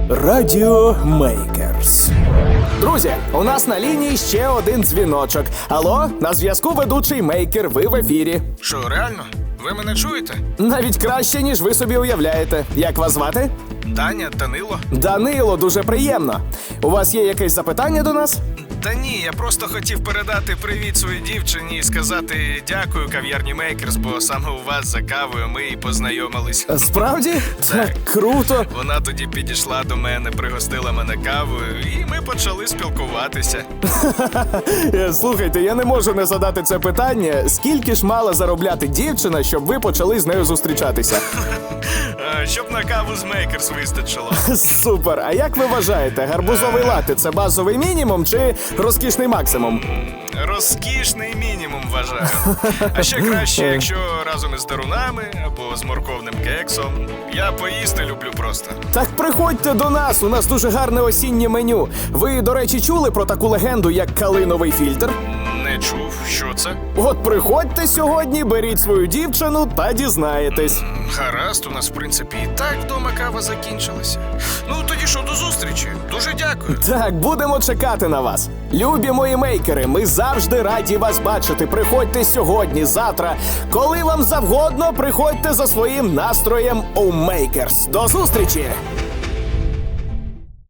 Радіо Мейкерс. Друзі, у нас на лінії ще один дзвіночок. Алло, на зв'язку ведучий Мейкер, ви в ефірі. Що, реально? Ви мене чуєте? Навіть краще, ніж ви собі уявляєте. Як вас звати? Даня, Данило? Данило, дуже приємно. У вас є якесь запитання до нас? Та ні, я просто хотів передати привіт своїй дівчині і сказати дякую кав'ярні Мейкерс, бо саме у вас за кавою ми і познайомились. Справді? Так, круто. Вона тоді підійшла до мене, пригостила мене кавою, і ми почали спілкуватися. Слухайте, я не можу не задати це питання. Скільки ж мала заробляти дівчина, щоб ви почали з нею зустрічатися? Щоб на каву з Мейкерс вистачило. Супер. А як ви вважаєте, гарбузовий латте – це базовий мінімум чи розкішний максимум? Розкішний мінімум, вважаю. А ще краще, якщо разом із дарунами або з морковним кексом. Я поїсти люблю просто. Так приходьте до нас, у нас дуже гарне осіннє меню. Ви, до речі, чули про таку легенду, як калиновий фільтр? Не чув, що це? От приходьте сьогодні, беріть свою дівчину та дізнаєтесь. Гаразд, у нас, в принципі, і так вдома кава закінчилася. Ну, тоді що, до зустрічі. Дуже дякую. Так, будемо чекати на вас. Любі мої мейкери, ми завжди раді вас бачити. Приходьте сьогодні, завтра. Коли вам завгодно, приходьте за своїм настроєм у Мейкерс. До зустрічі!